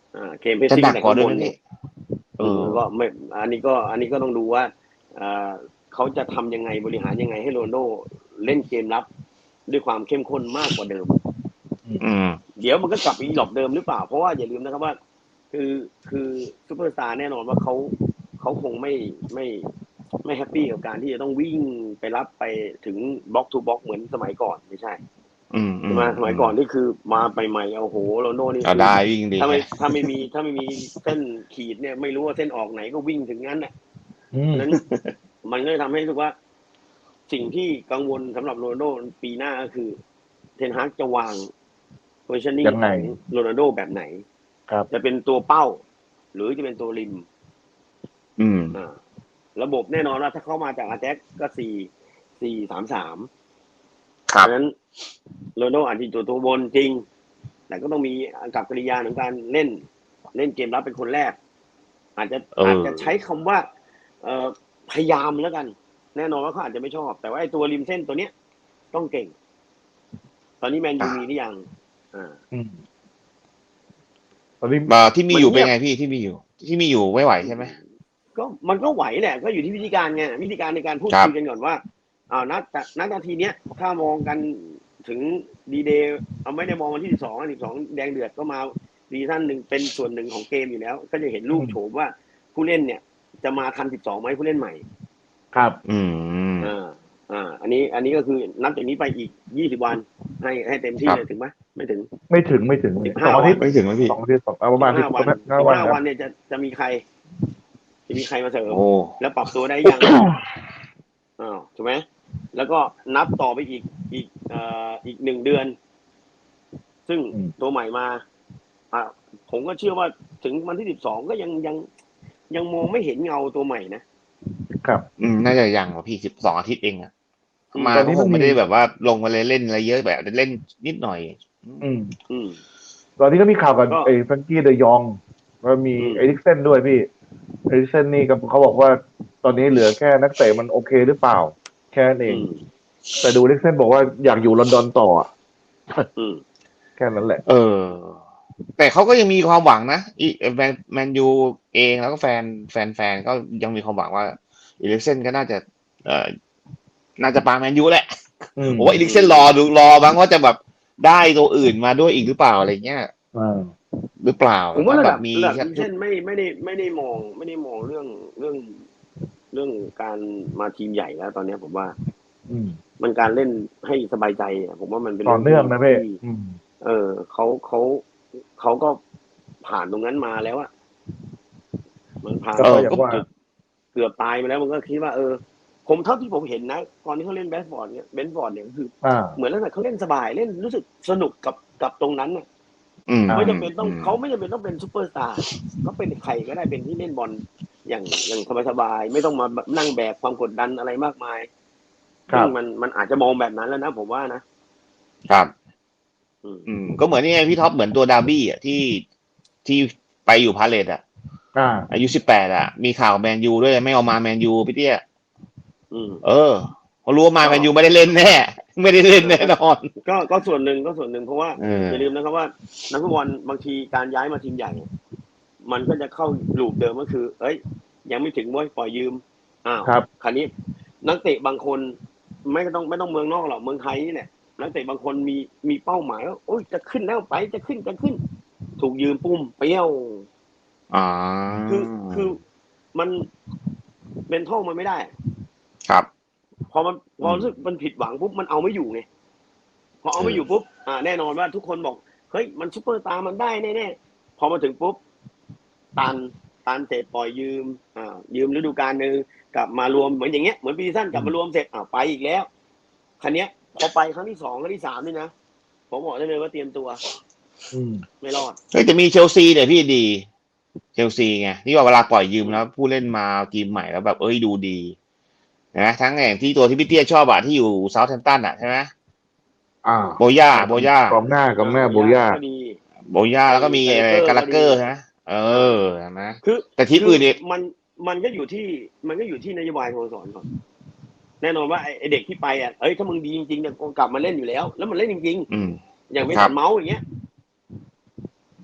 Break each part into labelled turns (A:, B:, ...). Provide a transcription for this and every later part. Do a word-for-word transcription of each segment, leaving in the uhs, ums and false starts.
A: อ่าเกมเพส
B: จะ
A: ซิ่ง
B: หนักกว่า
A: แต่ข้างบนเนี่ย
B: ด้วยนะพี่เออ
A: ก็ไม่อันนี้ก็อันนี้ก็ต้องดูว่าอ่าเขาจะทำยังไงบริหารยังไงให้โรนัลโดเล่นเกมรับด้วยความเข้มข้นมากกว่าเดิม
B: อืม
A: เดี๋ยวมันก็กลับไปอีหลอบเดิมหรือเปล่าเพราะว่าอย่าลืมนะครับว่าคือคือซูเปอร์สตาร์แน่นอนว่าเขาเขาคงไม่ไม่ไม่แฮปปี้กับการที่จะต้องวิ่งไปรับไปถึงบล็อกทูบล็อกเหมือนสมัยก่อนไม่ใช่
B: อืมอื
A: ใช่ไหม
B: ม
A: สมั
B: อืม
A: ยก่อนนี่คือมาใหม่ๆโอ้โหโรนัลโดนี่
B: เอา
A: คือ
B: ได้วิ่งดี
A: ถ้าไม่
B: ไง
A: ถ้าไม่มีถ้าไม่มีเส้นขีดเนี่ยไม่รู้ว่าเส้นออกไหนก็วิ่งถึงนั้นน่ะ
C: อืม
A: เพราะนั้นมันก็เลยทำให้รู้สึกว่าสิ่งที่กังวลสำหรับโรนัลโดปีหน้าก็คือเทนฮากจะวาง positioning
C: ยังไง
A: ของโรนัลโดแบบไหน
C: ครับ
A: จะเป็นตัวเป้าหรือจะเป็นตัวริม
B: อืม
A: อ่าระบบแน่นอนว่าถ้าเข้ามาจากอาแจ็คก็สี่สี่สามสาม
B: ค
A: เพ
B: รับ
A: ราะฉะนั้นโรนัลโดอาจจะตัวตัวบนจริงแต่ก็ต้องมีกับกิริยาของการเล่นเล่นเกมรับเป็นคนแรกอาจจะ
B: เอ
A: อาจ
B: อ
A: จะใช้คำว่าเอ่อพยายามแล้วกันแน่นอนว่าเขาอาจจะไม่ชอบแต่ว่าไอ้ตัวริมเส้นตัวเนี้ยต้องเก่งตอนนี้แมนยู
B: อ่ะ
A: มีหรือยังอ่า
C: อืมตอนนี้
B: มาที่มีอยู่เป็น
A: มันเงียบ
B: ไงพี่ที่มีอยู่ที่มีอยู่ไม่ไหวใช่ไหม
A: ก็มันก็ไหวแหละก็อยู่ที่วิธีการไงวิธีการในการพูด
B: ครับ
A: คุยกันก่อนว่าอ้าวนัดนัดนาทีเนี้ยถ้ามองกันถึงดีเดย์เอาไม่ได้มองวันที่สิบสองสิบสองแดงเดือดก็มาซีซั่นหนึ่งเป็นส่วนหนึ่งของเกมอยู่แล้ว ก็จะเห็นรู
C: อืม
A: ปโฉมว่าผู้เล่นเนี่ยจะมาทันสิบสองไหมผู้เล่นใหม่
C: ครับ
B: อืม
A: อ่าอ่าอันนี้อันนี้ก็คือนับจากนี้ไปอีกยี่สิบวันให้ให้เต็ม
B: ครับ
A: ที่เลยถึงไหมไม่ถึง
C: ไม่ถึงไม่ถึง
A: สิบห้าวัน
C: สองอาทิตย์
B: ไม่ถึงไหมพี่
C: สองอาทิตย์สองเอาประ
A: สิ
C: มาณสิบ
A: บห้าวัน
C: ห้า
A: สิบ
C: วันครับ
A: ห้าวันเนี่ยจะจะมีใครจะมีใครมาเสริม
B: โอ้
A: แล้วปรับตัวได้ยังอ้าวถูกไหมแล้วก็นับต่อไปอีกอีกเอ่ออีกหนึ่งเดือน ซึ่ง
C: อืม
A: ตัวใหม่มาอ่าผมก็เชื่อว่าถึงวันที่สิบสองก็ยังยังยังมองไม่เห็นเงาตัวใหม่นะครับ
B: อืมน่าจะยังว่ะพี่สิบสองอาทิตย์เองอะ
A: อืม
B: มา
C: ตอน
B: ก็คงไม่
C: นี้มันมี
B: ได้แบบว่าลงมาเลยเล่นอะไรเยอะแบบเล่นนิดหน่อย
C: อืม
A: อืม
C: ตอนนี้ก็มีข่าวกับ
A: ก็
C: ไอ้แฟรงกี้เดยองแล้วมี
A: อืม
C: เอริกเซนด้วยพี่เอริกเซนนี่ก็เขาบอกว่าตอนนี้เหลือแค่นักเตะมันโอเคหรือเปล่า แค่นั้นเอง
A: อืม
C: แต่ดูเอริกเซนบอกว่าอยากอยู่ลอนดอนต่ออะ
A: อืม
C: แค่นั้นแหละ
B: เออ แต่เขาก็ยังมีความหวังนะอีแมนแมนยูเองแล้วก็แฟนแฟนแฟนก็ยังมีความหวังว่าอีลิกเซนก็น่าจะเอ่อน่าจะปาแมนยูแหละ
C: อืม
B: ผมว่าอีลิกเซนรอดูรอบ้างว่าจะแบบได้ตัวอื่นมาด้วยอีกหรือเปล่าอะไรเงี้ย
C: อ่า
B: หรือเปล่า
A: ผมว่าระดับ
B: ถ้าแบบมี
A: ระดับ
B: สักชุด
A: ดิเช่นไม่ไม่ได้ไม่ได้มองไม่ได้มองเรื่องเรื่องเรื่องการมาทีมใหญ่แล้ว ตอนนี้ผมว่า
C: อืม
A: มันการเล่นให้สบายใจอะผมว่ามันเป็น
C: ต่อ
A: เรื่องที่
C: เนื่องนะพี่
A: ที่
C: อืม
A: เออเขาเขาเขาก็ผ่านตรงนั้นมาแล้วอะมันผ่าน
C: ก็
B: เออก็
C: อย่างว่า
A: เกือบเกือบตายมาแล้วมันก็คิดว่าเออ ผมเท่าที่ผมเห็นนะตอนที่เขาเล่นแบสฟอร์ดเนี่ยเบนฟอร์ดเนี่ยก็คือ
C: อ่า
A: เหมือนลักษณะเขาเล่นสบายเล่นรู้สึกสนุกกับกับตรงนั้นน่ะ
B: อืม
C: อ่า
A: ไม่จำเป็นต้อง
B: อืม
A: เขาไม่จำเป็นต้องเป็นซูเปอร์สตาร์เขาเป็นใครก็ได้เป็นที่เล่นบอลอย่างอย่างสบายๆไม่ต้องมานั่งแบกความกดดันอะไรมากมาย
C: ครั
A: ซึ่ง
C: บ
A: มันมันอาจจะมองแบบนั้นแล้วนะผมว่านะ
B: ครับ
A: อืม
B: อืมก็เหมือนนี่ไงพี่ท็อปเหมือนตัวดาร์บี้อ่ะที่ที่ไปอยู่พาเลตอ่ะ
C: อ่า
B: อายุสิบแปดอ่ะ มีข่าวแมนยูด้วยไม่เอามาแมนยูพี่เตี้ย
A: อืม
B: เออเขารู้ว่ามา
A: ก็
B: แมนยูไม่ได้เล่นแน่ ไม่ได้เล่นแน่นอน
A: ก็ก็ส่วนหนึ่งก็ส่วนหนึ่งเพราะว่า
B: เออ
A: อย่าลืมนะครับว่านักฟุตบอลบางทีการย้ายมาทีมใหญ่เนี่ยมันก็จะเข้าลูปเดิมก็คือ เอ้ย ยังไม่ถึงเว้ยปล่อยยืมอ้าว
C: ครับ
A: คราวนี้นักเตะบางคนไม่ต้องไม่ต้องเมืองนอกหรอกเมืองไทยนี่แหละนักเตะบางคนมีมีเป้าหมายว่าโอ้ยจะขึ้นแล้วไปจะขึ้นจะขึ้น ถูกยืมปุ้มเปรี้ยว
B: อ่า
A: คือคือมันเป็นท่องมันไม่ได้
B: ครับ
A: พอมันพอรู้สึกมันผิดหวังปุ๊บมันเอาไม่อยู่ไงพอเอาไม่อยู่ปุ๊บอ่าแน่นอนว่าทุกคนบอกเฮ้ยมันซุปเปอร์สตาร์มันได้แน่ๆพอมาถึงปุ๊บตันตันเสร็จปล่อยยืมอ่ายืมฤดูกาลหนึ่งกลับมารวมเหมือนอย่างเงี้ยเหมือนปีสั้นกลับมารวมเสร็จอ่าไปอีกแล้วคันเนี้ยพอไปครั้งที่สองครั้งที่สามนี่นะผมบอกได้เลยว่าเตรียมตัว
C: อืม
A: ไม่รอด
B: เฮ้ยแต่มีเชลซีเนี่ยพี่ดีเชลซีไงที่ว่าเวลาปล่อยยืมแล้วผู้เล่นมาทีมใหม่แล้วแบบเอ้ยดูดีนะทั้งอย่างที่ตัวที่พี่เตี้ยชอบอะที่อยู่เซาท์แฮมป์ตันอะใช่ไหม
C: อ่า
B: โบย่าโบย่าก
C: องหน้ากองหน้าโบย่า
A: ก็ดี
B: โบย่าแล้วก็มี
A: ไอ้
B: อะไร
A: กา
B: กา
A: ลา
B: ลา
A: เก
B: เก
A: อ
B: อ
A: ร์
B: ร์ใช่ไหมเออใช่ไหม
A: คือ
B: แต่ทีมอื่นเนี่ย
A: มันมันก็อยู่ที่มันก็อยู่ที่นโยบายสโมสรก่อนแน่นอนว่าไอ้เด็กที่ไปอ่ะเอ้ยถ้ามึงดีจริงๆเนี่ยกลับมาเล่นอยู่แล้ว แล้วมันเล่นจริง
B: อืม
A: ๆอย่างไม่
B: ครั
A: สั
B: บ
A: นเมาส์อย่างเงี้ย
B: อ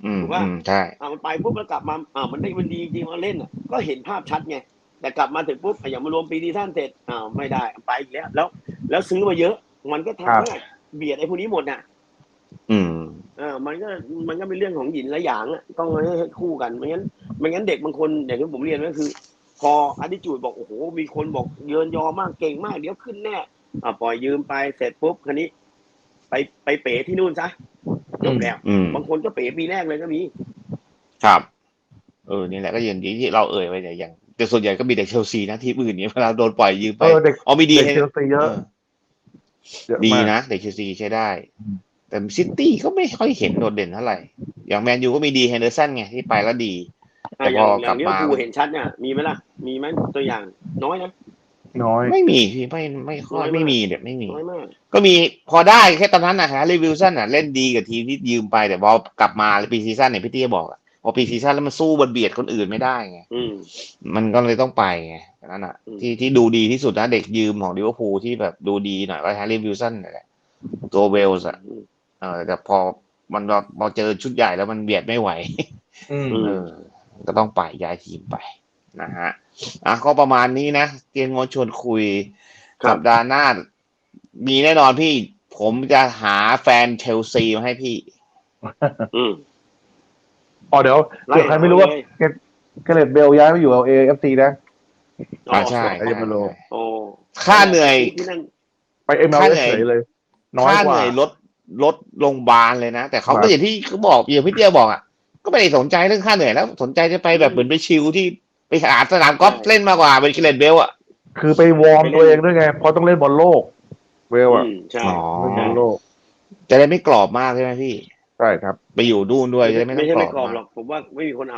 B: อืม
A: ถูกป่ะ
B: อืมใช่
A: อ่ามันไปปุ๊บแล้วกลับมาอ่ามันได้มันดีจริงมาเล่นอ่ะก็เห็นภาพชัดไงแต่กลับมาถึงปุ๊บอย่างมารวมปีดีท่านเสร็จอ้าวไม่ได้ไปอีกแล้วแล้ว แล้วซื้อมาเยอะ มันก็
C: ครั
A: ทำ
C: บ
A: ให้เบียดไอ้พวกนี้หมดน่ะ
B: อืม
A: เออมันก็มันก็เป็นเรื่องของหยินและหยางอ่ะต้องให้ให้คู่กันไม่งั้นไม่งั้นเด็กบางคนอย่างที่ผมเรียนก็คือ พออาดิจูดบอกโอ้โหมีคนบอกเยินยอมากเก่งมากเดี๋ยวขึ้นแน่อ่าปล่อยยืมไปเสร็จปุ๊บคันนี้ ไปไปเป๋ที่นู่นซะจบแล้ว
B: อืม
A: บางคนก็เป๋ปีแรกเลยก็มี
B: ครับ เออนี่แหละก็อย่างที่เราเอ่ยไปเนี่ยอย่างแต่ส่วนใหญ่ก็มีแต่เชลซีนะที่อื่นเนี่ยเวลาโดนปล่อยยืมไป
C: เออเด็ก
B: อ๋อมีดี
C: เด็ก
B: ให้
C: เชลซีเยอะ
B: เออ
C: เยอะ
B: ดี
C: มาก
B: นะเด็กเชลซีใช้ได้
C: อืม
B: แต่ซิตี้ก็ไม่ค่อยเห็นโดดเด่นเท่าไหร่ อย่างแมนยูก็มีดีเฮนเดอร์สันไงที่ไปแล้วดี แต่
A: อ่ะอ
B: พอย่าง
A: อก ย่า
B: ลั
A: ง
B: บ
A: ลิเวอ
B: มา
A: ร์พูลเห็นชัดเนี่ยมีไหมล่ะ มีไหมตัวอย่างน้อยนะ
C: น้อย
B: ไม่มีพี่ไม่ไม่ค่อย
A: น้อยมาก
B: ไม่มีเด็ดไม่มี
A: น้อยมาก
B: ก็มีพอได้แค่ตอนนั้นนะฮะรีวิวสันอ่ะเล่นดีกับทีมที่ยืมไปแต่พอกลับมาปีซีซั่นเนี่ยพี่เตี้ยบอกอะพอปีซีซั่นแล้วมันสู้บนเบียดคนอื่นไม่ได้ไง
A: อืม
B: มันก็เลยต้องไปไงนั่นอ่ะ
A: อืม
B: ที่ที่ดูดีที่สุดนะเด็กยืมของลิเวอร์พูลที่แบบดูดีหน่อยก็แฮร์รี่วิลสันนั่นแหละตัวเวลส์อ่ะเออแต่พอมันพอเจอชุดใหญ่แล้วมันเบียดไม่ไหว
C: อืม
B: เออ ก็ต้องไปย้ายทีมไปนะฮะอ่ะก็ประมาณนี้นะเตียนงดชวนคุย
A: ครับ
B: สัปดาห์หน้า มีแน่นอนพี่ ผมจะหาแฟนเชลซีมาให้พี่
A: อืม
C: อ๋อเดี๋ยว
A: ไล่
C: เดี๋ยวใครไม่รู้ว่า
A: เลย
C: เกเกเรตเบลย้ายไปอยู่เอเอฟซีนะ
B: อ่าใช่
C: ใครจะไปรู้
A: โอ้
B: ค่าเหนื่อย
A: ที่นั่น
C: ไปเอ็มเอล
B: ค่า
C: เอ
B: เหนื่อย
C: เฉยเลย น้อย
B: ค่าก เห
C: ว่า
B: นื่อยลดลดโรงพยาบาลเลยนะ แต่เขา
C: ครั
B: ก็
C: บ
B: อย่างที่เขาบอกอย่างพี่เตี้ยบอกอ่ะก็ไม่ได้สนใจเรื่องค่าเหนื่อยแล้ว สนใจจะไปแบบเหมือนไปชิลที่ไปหาสนามกอล์ฟ
A: ใช่
B: เล่นมากกว่าเป็นเกเรตเบลอ่ะ
C: คือไปวอร์มตัวเองด้วยไง เพราะต้องเล่นบอลโลก เวล
A: อื
C: อ่ะ
A: มใช่
B: อ๋อ
C: เล่นบอลโลก
B: จะได้ไม่กรอบมากใช่ไหมพี่
C: ใช่ครับ
B: ไปอยู่ดูนด้วยจะได้ไม่ต้
A: ไม่
B: อง
A: ใช่
B: กร
A: ไม่
B: อบ
A: กรอบ
B: มา
A: หร
B: ก
A: อกผมว่าไม่มีคนเอา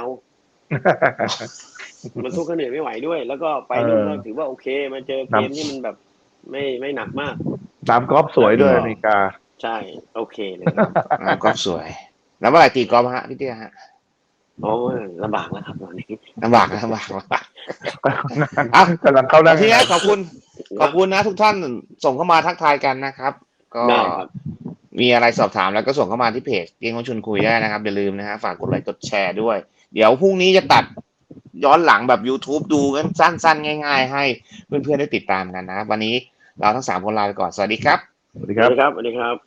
A: มันสู้เขาเหนื่อยไม่ไหวด้วย แล้วก็ไปนู่น
C: เออ
A: ก็ถือว่าโอเคมาเจอเกมที่มันแบบ ไม่ไม่หนักมาก
C: สนามกอล์ฟสวยด้วย
B: อืม
C: อเมริกา
A: ใช่ โอเคเลยครับ
B: อ่ากอล์ฟสวย แล้วเมื่อไหร่ตีกอล์ฟฮะพี่เตี้ยฮะ
A: โอ้ยลำบากแล้วครับตอนนี้
B: ลำบากนะลำบากลำบาก อ่ะ
C: กำลังเข้าห
B: แล้
C: น้าว
B: ทีนี้ขอบคุณ ขอบคุณนะทุกท่านส่งเข้ามาทักทายกันนะครับ ก็
A: ได้ครับ
B: มีอะไรสอบถามแล้วก็ส่งเข้ามาที่เพจเตียงของชวนคุยได้นะครับ อย่าลืมนะฮะฝากกดไลค์กดแชร์ด้วย เดี๋ยวพรุ่งนี้จะตัดย้อนหลังแบบ YouTube ดูกันสั้นๆ ง่ายๆ ให้เพื่อนๆได้ติดตามกันนะครับ วันนี้เราทั้งสามคนลาไปก่อน สวัสดีครับ
C: สวัสดี
A: ส
C: ค
A: วั
C: รั
A: ส
C: บ
A: ดีครับสวัสดีครับ